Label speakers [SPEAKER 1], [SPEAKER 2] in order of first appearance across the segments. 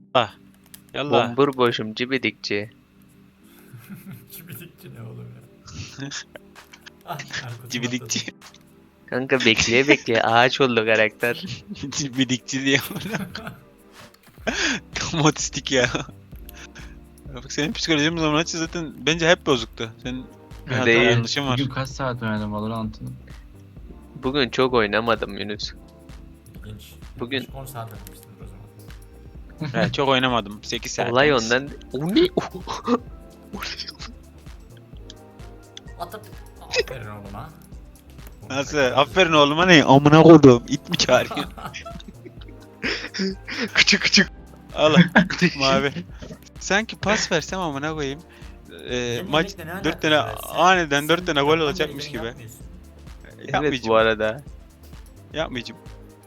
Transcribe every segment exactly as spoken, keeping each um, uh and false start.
[SPEAKER 1] Ah. Yallah.
[SPEAKER 2] Bombur boşum cibidikçi.
[SPEAKER 3] Çibidikçi ne oğlum ya? Ah, Erkut'un
[SPEAKER 1] Cibidikçi.
[SPEAKER 2] Kanka bekleye bekleye ağaç oldu karakter.
[SPEAKER 1] Cibidikçi diye. Tam otistik ya. Bak senin psikolojin bu zaman zaten bence hep bozuktu. Senin bir hata
[SPEAKER 2] Değil.
[SPEAKER 1] yanlışın var.
[SPEAKER 4] Bugün kaç saat oynadım Valorant'ın?
[SPEAKER 2] Bugün çok oynamadım Yunus.
[SPEAKER 3] İlginç.
[SPEAKER 2] Bugün-
[SPEAKER 3] on saat oynamışsındır o zaman.
[SPEAKER 1] He, çok oynamadım. sekiz saat.
[SPEAKER 2] Olay
[SPEAKER 1] yalnız.
[SPEAKER 2] ondan. O ne?
[SPEAKER 3] Atat. Aferin oğluma.
[SPEAKER 1] Nasıl? Aferin oğluma ne? Amına koydum. İt mi çağırıyor?
[SPEAKER 2] Küçük küçük.
[SPEAKER 1] Al mavi. Sanki pas versem amına koyayım. Ee, maç dört tane aniden dört tane gol olacakmış gibi.
[SPEAKER 2] Evet
[SPEAKER 1] Yapmayacağım.
[SPEAKER 2] bu arada.
[SPEAKER 1] Yapmayacağım.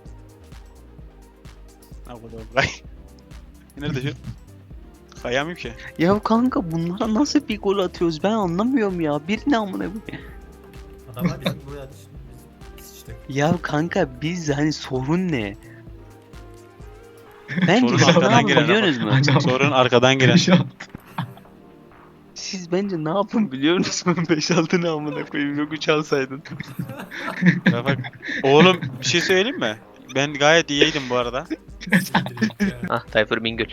[SPEAKER 1] Ne koydum? Kay. Nerede şu? Kayamıyorum ki.
[SPEAKER 2] Ya kanka bunlara nasıl bir gol atıyoruz ben anlamıyorum ya. Bir ne amına koyayım.
[SPEAKER 3] Adamlar bizim buraya düştü. Biz işte.
[SPEAKER 2] Ya kanka biz hani sorun ne? Bence
[SPEAKER 1] Sorun
[SPEAKER 2] siz ne
[SPEAKER 1] arkadan
[SPEAKER 2] yapın
[SPEAKER 1] gelen
[SPEAKER 2] biliyorsunuz mu?
[SPEAKER 1] Sorun arkadan giren.
[SPEAKER 4] Şu an
[SPEAKER 2] Siz bence ne yapın biliyor musunuz? beş altı ne amına koyayım yok üç alsaydın.
[SPEAKER 1] Ya bak. Oğlum bir şey söyleyeyim mi? Ben gayet iyiydim bu arada.
[SPEAKER 3] Siktir ya.
[SPEAKER 2] Ah Tayfur Bingöl.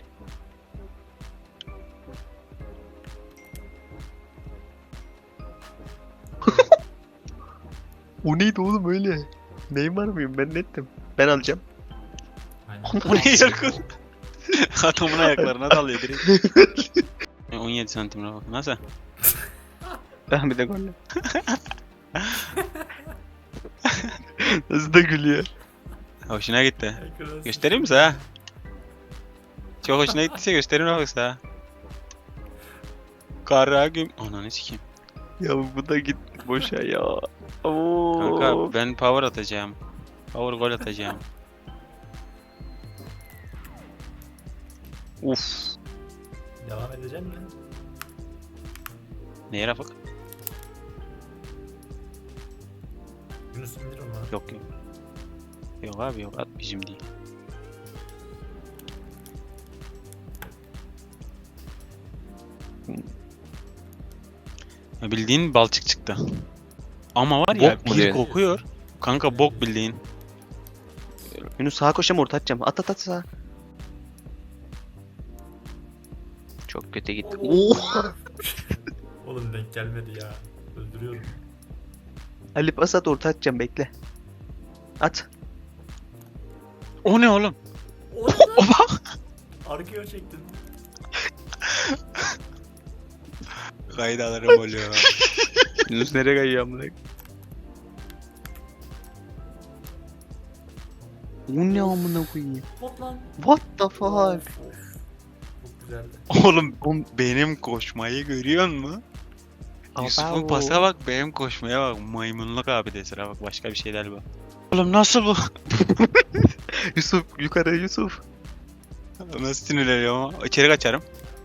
[SPEAKER 2] O neydi oğlum öyle? Neymar mıyım ben nettim. Ben alacağım.
[SPEAKER 3] Aynen.
[SPEAKER 1] Bu ne yakın? Adamın ayaklarına dalıyor direkt. Ya on yedi santimine bak. Nasıl?
[SPEAKER 2] Ben bir de golle. Nasıl da gülüyor.
[SPEAKER 1] Hoşuna gitti.
[SPEAKER 3] Ekran-
[SPEAKER 1] Göstereyim mi sana? Çok hoşuna gittiyse göstereyim bak sana. Kara gün... Ananı sikeyim.
[SPEAKER 2] Ya bu da gitti boşa ya. Oo.
[SPEAKER 1] Kanka ben power atacağım. Power gol atacağım.
[SPEAKER 2] Uf.
[SPEAKER 3] Devam edecek mi?
[SPEAKER 1] Neye bak?
[SPEAKER 3] Yunus indir onu.
[SPEAKER 1] Yok yok. Yok abi yok at bizim değil. Ya bildiğin balçık çıktı. Ama var ya
[SPEAKER 2] Bok mu
[SPEAKER 1] bir
[SPEAKER 2] diyorsun?
[SPEAKER 1] kokuyor. Kanka bok bildiğin.
[SPEAKER 2] Yunus sağa koşacağım orta atacağım. At at at sağa. Çok kötü gitti. Oo.
[SPEAKER 3] Oğlum denk gelmedi ya. Öldürüyorum.
[SPEAKER 2] Ali pas at orta atacağım bekle. At.
[SPEAKER 1] O ne oğlum?
[SPEAKER 3] Oha! Arkaya çektin.
[SPEAKER 1] Kaydalarım oluyor.
[SPEAKER 2] Yunus nereye kayıyor amına? Bu ne amına koyayım?
[SPEAKER 3] Hop lan.
[SPEAKER 2] What the
[SPEAKER 3] Of,
[SPEAKER 2] fuck?
[SPEAKER 3] of. Çok güzeldi.
[SPEAKER 1] Oğlum benim koşmayı görüyor musun? Yusuf'un
[SPEAKER 2] Abo.
[SPEAKER 1] pasa bak, benim koşmaya bak. Maymunluk abi de sıra bak, başka bir şeyler bu. Oğlum nasıl bu?
[SPEAKER 2] Yusuf yukarı Yusuf.
[SPEAKER 1] Nasıl sinirleniyorum ama? İçeri kaçarım.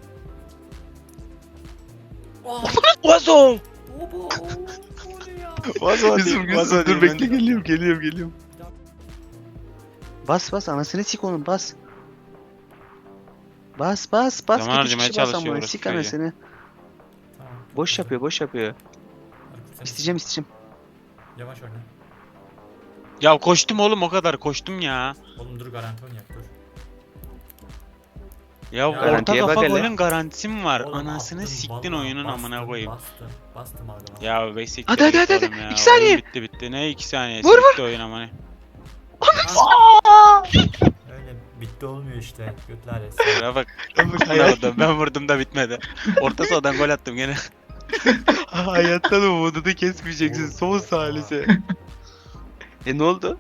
[SPEAKER 3] Oh!
[SPEAKER 1] Vazo!
[SPEAKER 3] Obo! O ne ya?
[SPEAKER 1] Vazo
[SPEAKER 2] Yusuf
[SPEAKER 1] değil, vazo
[SPEAKER 2] Yusuf
[SPEAKER 1] değil.
[SPEAKER 2] dur
[SPEAKER 1] ben-
[SPEAKER 2] bekle geliyorum geliyorum geliyorum. Bas bas anasını sik onun bas. Bas bas bas
[SPEAKER 1] Zaman
[SPEAKER 2] git üç
[SPEAKER 1] harcamaya
[SPEAKER 2] kişi bas
[SPEAKER 1] çalışıyor
[SPEAKER 2] amına
[SPEAKER 1] orası
[SPEAKER 2] sik
[SPEAKER 1] çocuğu.
[SPEAKER 2] anasını.
[SPEAKER 3] Tamam.
[SPEAKER 2] Boş yapıyor boş yapıyor.
[SPEAKER 3] Erkut, sen
[SPEAKER 2] İsteyeceğim isteyeceğim.
[SPEAKER 3] Yavaş oyna.
[SPEAKER 1] Ya koştum oğlum, o kadar koştum ya.
[SPEAKER 3] Oğlum dur garanti oynayak dur.
[SPEAKER 1] Ya,
[SPEAKER 3] Ya,
[SPEAKER 1] orta
[SPEAKER 2] garantiye bak
[SPEAKER 1] kafa
[SPEAKER 2] hele.
[SPEAKER 1] golün garantisi mi var?
[SPEAKER 3] Oğlum
[SPEAKER 1] Anasını
[SPEAKER 3] attım,
[SPEAKER 1] siktin
[SPEAKER 3] vallahi
[SPEAKER 1] oyunun
[SPEAKER 3] bastım,
[SPEAKER 1] amına koyayım.
[SPEAKER 3] Bastım. Bastım abi.
[SPEAKER 1] Ya be siktir
[SPEAKER 2] Hadi, hadi,
[SPEAKER 1] git
[SPEAKER 2] hadi,
[SPEAKER 1] oğlum ya.
[SPEAKER 2] iki saniye.
[SPEAKER 1] Oyun bitti bitti. Ne iki saniye?
[SPEAKER 2] Vur,
[SPEAKER 1] Bitti oyun amına.
[SPEAKER 3] Öyle bitti olmuyor işte. Götler etsin.
[SPEAKER 1] Ya bak. Vurdum, ben vurdum da bitmedi. Orta sahadan gol attım gene.
[SPEAKER 2] Hayattan umudunu kesmeyeceksin
[SPEAKER 3] Oğlum,
[SPEAKER 2] son
[SPEAKER 3] oha.
[SPEAKER 2] salise. E ne oldu?